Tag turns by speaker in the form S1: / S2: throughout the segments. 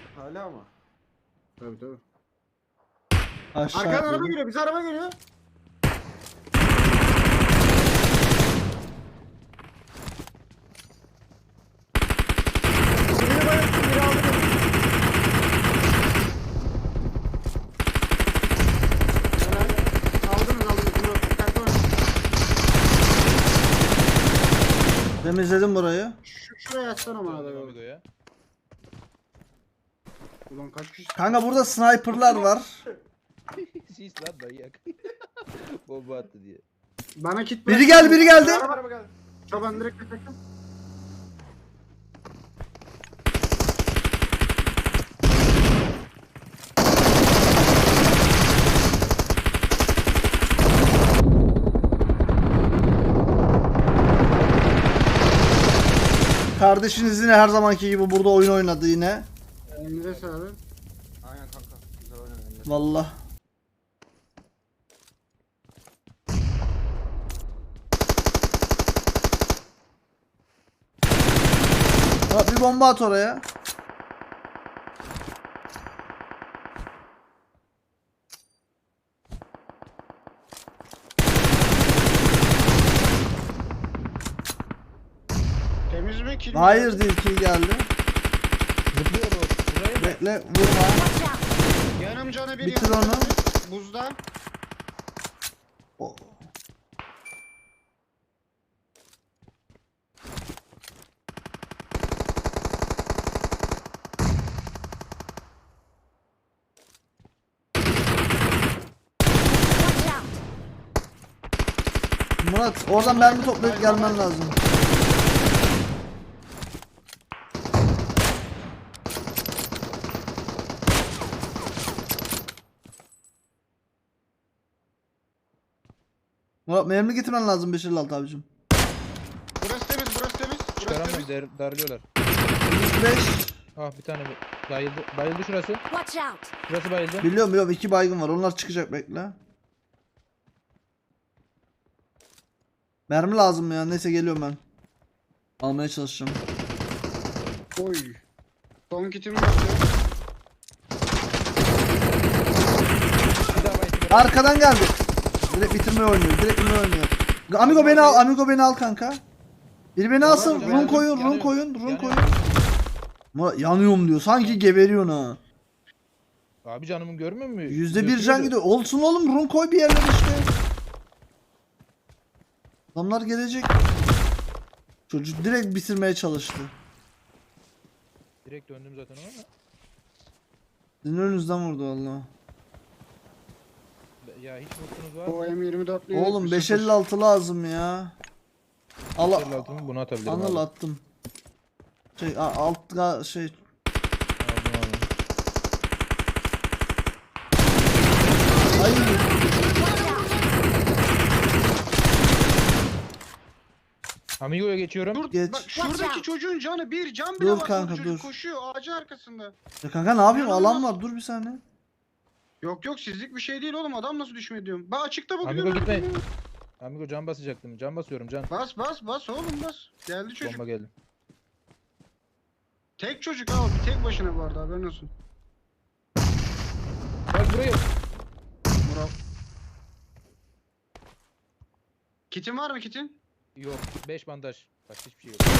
S1: Hala mı?
S2: Tabii tabii.
S3: Aşağı
S2: Arkadan araba
S3: atladım.
S2: geliyor. Bize araba geliyor. Birini bayılttım. Biri aldı beni. Helal. Aldınız. Bunu dikkatli olun.
S3: Temizledim burayı.
S2: Şuraya atsana bana da.
S4: Amigo ya.
S2: Ulan kaç kişi?
S3: Kanka burada sniperlar var.
S4: Sis lan manyak. Bomba attı diye.
S2: Bana kit
S3: Biri geldi, biri geldi.
S1: Araba geldi.
S2: Çoban direkt kaçtım.
S3: Kardeşiniz yine her zamanki gibi burada oyun oynadı yine.
S2: Elinize sağlık.
S1: Aynen kanka. Güzel oynadın.
S3: Vallahi. Ha, bir bomba at oraya.
S2: Temiz mi? Kill mi?
S3: Hayır değil, kill geldi.
S4: Zıplıyor bu. Buraya mı?
S3: Bekle, vurma.
S5: Watch out!
S2: Yanım canı bir
S3: Bitir
S2: yanım
S3: onu.
S2: canı bir. Buzda.
S3: O-
S5: Watch out!
S3: Murat, oradan mermi toplayıp gelmen lazım. Murat, mermi getirmen lazım 556 abicim.
S2: Burası temiz, burası temiz. Burası
S4: Çıkaramıyorum
S2: temiz.
S4: darlıyorlar.
S3: 105.
S4: Ah bir tane bayıldı. Bayıldı şurası.
S5: Watch out!
S4: Şurası bayıldı.
S3: Biliyorum, 2 baygın var. Onlar çıkacak, bekle. Mermi lazım ya. Neyse geliyorum ben. Almaya çalışacağım.
S2: Oy. Son kitimi yaptı.
S4: Bir daha bayıldı.
S3: Arkadan geldi. Direkt bitirmeye oynuyor. Amigo beni al. Amigo beni al kanka. Biri beni alsın.
S4: Tamam,
S3: Run koyun.
S4: yanıyor.
S3: Run
S4: Yanıyor.
S3: koyun. Murat, yanıyorum diyor. Sanki geberiyorsun ha.
S4: Abi canımın görmüyor musun?
S3: %1 can gidiyor. Olsun oğlum, run koy bir yerlere işte. Adamlar gelecek. Çocuk direkt bitirmeye çalıştı.
S4: Direkt döndüm zaten ona ama.
S3: Sizin önünüzden vurdu valla.
S4: Ya hiç vursunuz var mı?
S2: O M24'lü.
S3: Oğlum 556 lazım ya. Al,
S4: Şöyle altımı bunu atabilirim
S3: Anıl
S4: abi.
S3: attım. Altta şey.
S4: Aldım aldım.
S3: Ay.
S4: Amigo'ya geçiyorum.
S2: Dur
S3: Geç.
S2: bak şuradaki çocuğun canı bir can bile
S3: Dur
S2: var.
S3: kanka,
S2: Çocuk
S3: dur.
S2: koşuyor ağacın arkasında.
S3: Ya kanka ne yapayım?
S2: İnanılmaz.
S3: Alan var. Dur bir saniye.
S2: Yok yok sizlik bir şey değil oğlum adam nasıl düşmedi diyorum. Ben açıkta bakıyorum.
S4: Amigo gitme.
S2: öyle değil mi?
S4: Amigo can basacaktım. Can basıyorum can.
S2: Bas oğlum bas. Geldi çocuk.
S4: Bomba geldi.
S2: Tek çocuk abi bir tek başına bu arada haberin olsun.
S4: Bak buraya.
S2: Murat. Kitin var mı kitin?
S4: Yok. 5 bandaj. Başka hiçbir şey yok.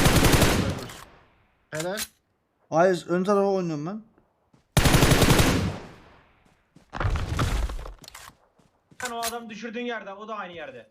S2: Helal.
S3: Hayır, ön tarafa oynuyorum ben.
S6: Sen o adam düşürdüğün yerde, o da aynı yerde.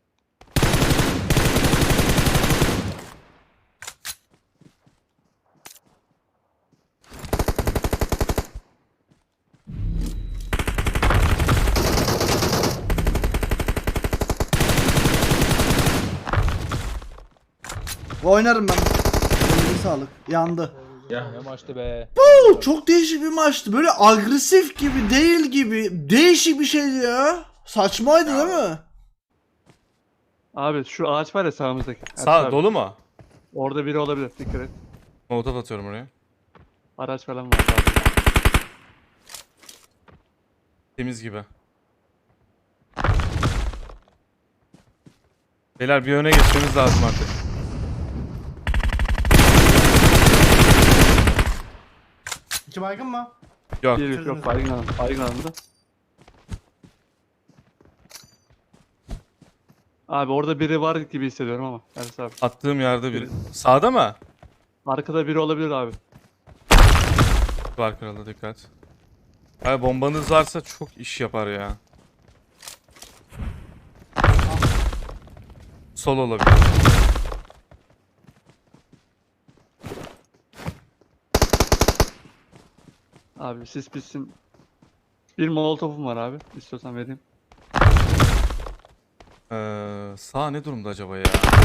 S3: Oynarım ben. Eline sağlık. Yandı.
S4: Ne maçtı be.
S3: Çok değişik bir maçtı. Böyle agresif gibi değil gibi. Değişik bir şeydi ya. Saçmaydı değil mi?
S7: Abi şu ağaç var ya sağımızdaki.
S8: Sağ
S7: Abi,
S8: dolu mu?
S7: orada biri olabilir, dikkat et.
S8: Molotof atıyorum oraya.
S7: Araç falan var abi.
S8: Temiz gibi. Beyler bir öne geçmemiz lazım artık.
S9: İki baygın mı?
S8: Yok.
S7: Bir yok baygın alın. Baygın alındı. Abi orada biri var gibi hissediyorum ama. Ersin abi.
S8: Attığım yerde biri. Sağda mı?
S7: Arkada biri olabilir abi.
S8: Var krala dikkat. Abi bombanız varsa çok iş yapar ya. Sol olabilir.
S7: Abi siz pissin. Bir molotofum var abi. İstiyorsan vereyim.
S8: Sağ ne durumda acaba ya?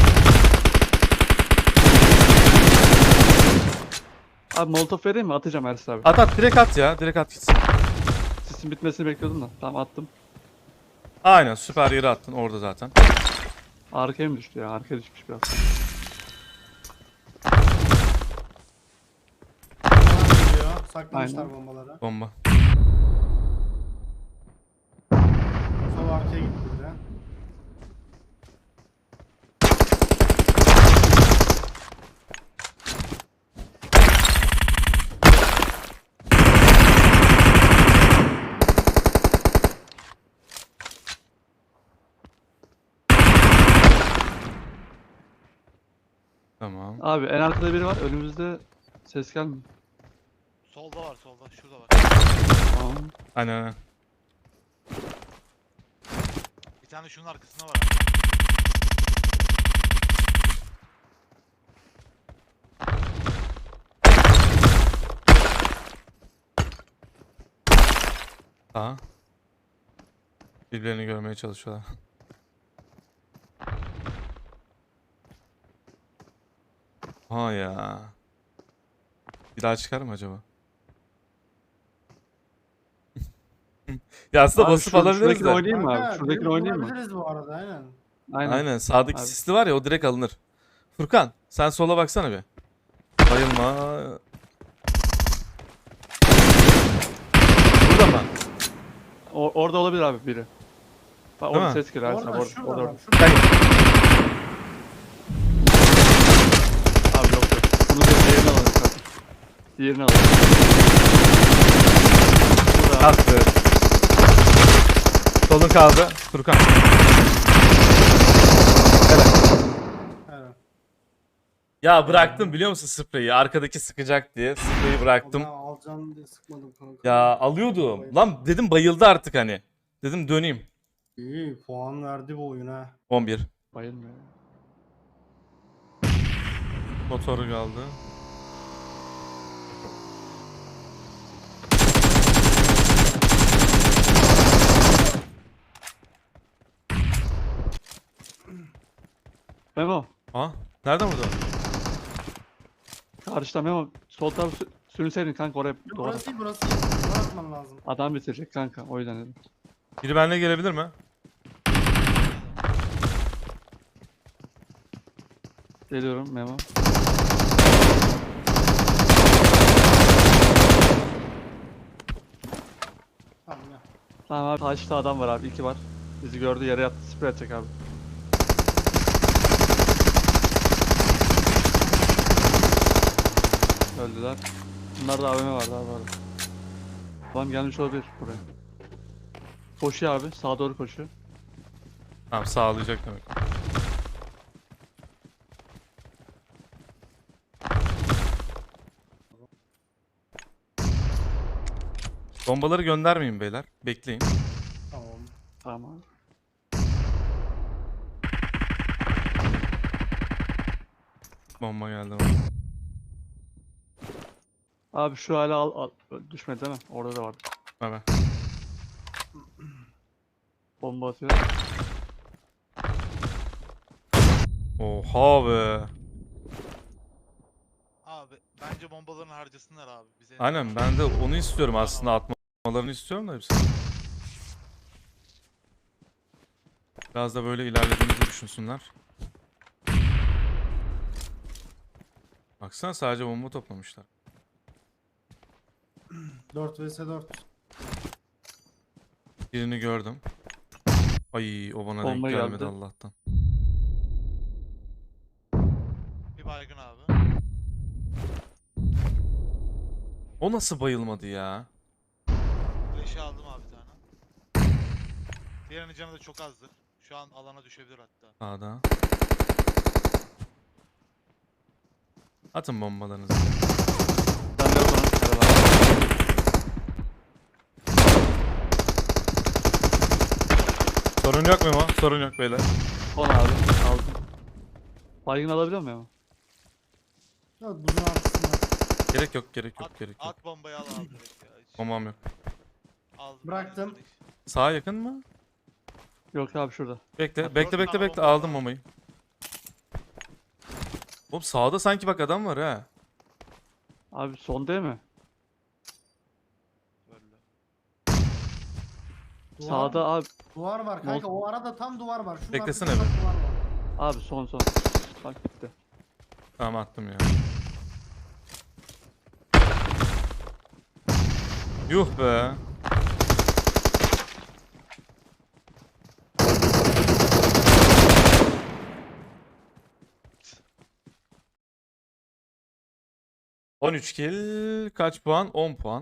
S7: Abi molotof vereyim mi? Atacağım Ersin abi.
S8: At at direkt at ya. Direkt at gitsin.
S7: Sisin bitmesini bekliyordum da. Tamam attım.
S8: Aynen süper yere attın orada zaten.
S7: Arkaya mı düştü ya? Arkaya düşmüş biraz.
S9: Bana geliyor. Saklamışlar
S7: Aynen.
S9: bombaları.
S8: Bomba.
S9: Sol arkaya gitti bir de.
S8: Tamam.
S7: Abi en arkada biri var. Önümüzde ses gelmiyor.
S10: Solda var solda. Şurada var.
S7: Tamam.
S8: Aynen aynen.
S10: Bir tane şunun arkasında var abi.
S8: Aha. Birbirlerini görmeye çalışıyorlar. Ha ya. Bir daha çıkar mı acaba? Ya aslında
S7: Abi
S8: basıp alabiliriz
S7: şuradakini
S8: de.
S7: oynayayım mı
S9: Kanka,
S7: abi? Şuradakini
S9: birini
S7: oynayayım mı?
S9: bulabiliriz bu arada aynen.
S7: Aynen.
S8: Aynen sağdaki
S7: Abi.
S8: sisli var ya o direkt alınır. Furkan sen sola baksana bir. Bayılma. Burada mı?
S7: Orada olabilir abi biri. Bak
S8: Değil
S7: orada
S8: mi?
S7: ses geliyor Ersin abi.
S9: Orada şurada
S7: Orada.
S9: bak. Şurada.
S8: Gel.
S7: Abi yok yok. Bunu da diğerini alalım zaten. Diğerini alalım. Burada.
S8: Kalktı. Solun kaldı. Furkan.
S9: Evet.
S8: Ya bıraktım biliyor musun spreyi? Arkadaki sıkacak diye. Spreyi bıraktım.
S9: Ben alacağım diye sıkmadım kanka.
S8: Ya alıyordum. Lan dedim bayıldı artık hani. Dedim döneyim.
S9: İyi puan verdi bu oyun ha.
S8: 11.
S7: Bayılmıyor.
S8: Motoru kaldı.
S7: Memo.
S8: Ha? Nereden vurdu?
S7: Karşıda Memo. Sol tarafı sürünseydin kanka oraya doğru.
S9: Burası değil burası değil. Buraya atman lazım.
S7: Adam bitirecek kanka. O yüzden dedim.
S8: Biri benimle gelebilir mi?
S7: Geliyorum Memo.
S9: Tamam ya.
S7: Tamam abi. Taşta adam var abi. 2 var. Bizi gördü yere yattı. Sprey atacak abi. Öldüler. Bunlarda AVM vardı abi orada. Adam gelmiş olabilir buraya. Koşuyor abi. Sağa doğru koşuyor.
S8: Tamam sağlayacak demek. Bombaları göndermeyin beyler. Bekleyin.
S9: Tamam.
S7: Tamam.
S8: Bomba geldi.
S7: Abi şu hala al. Düşmedi değil mi? Orada da vardı.
S8: Evet.
S7: Bomba atıyor.
S8: Oha be.
S10: Abi bence bombalarını harcasınlar abi. Bize
S8: Aynen ben de onu istiyorum aslında atmalarını istiyorum da hepsini. Biraz da böyle ilerlediğimizi düşünsünler. Baksana sadece bomba toplamışlar.
S9: 4 vs 4.
S8: Birini gördüm. Ay o bana
S7: Bomba
S8: denk gelmedi
S7: geldi.
S8: Allah'tan.
S10: bir baygın abi.
S8: O nasıl bayılmadı ya?
S10: Flash'ı aldım abi bir tane. Diğerinin canı da çok azdır. Şu an alana düşebilir hatta.
S8: Sağda. Atın bombalarınızı.
S7: Ben de yok ona. Merhaba.
S8: Sorun yok Memo. Sorun yok beyler.
S7: Son abi. Aldım. Baygın alabiliyor muyum?
S9: Yok buzun arkasında.
S8: Gerek yok, gerek yok,
S10: At,
S8: gerek yok.
S10: at bombayı al abi direkt ya. Hiç
S8: Bombam yok.
S10: aldım.
S9: Bıraktım.
S8: Sağa yakın mı?
S7: Yok abi şurada.
S8: Bekle,
S10: Bak,
S8: bekle,
S10: gördün
S8: bekle,
S10: ama
S8: bekle.
S10: bomba
S8: Aldım
S10: var.
S8: bombayı. Oğlum sağda sanki bak adam var ha.
S7: Abi son değil mi?
S10: Böyle.
S9: Duvar,
S7: Sağda abi.
S9: duvar var kanka. O arada tam duvar var. Şunun
S8: Beklesene
S9: arkasında
S8: bir.
S9: duvar var.
S7: Abi son. Bak gitti.
S8: Tamam attım ya. Yuh be. ...13 kill... ...kaç puan? 10 puan.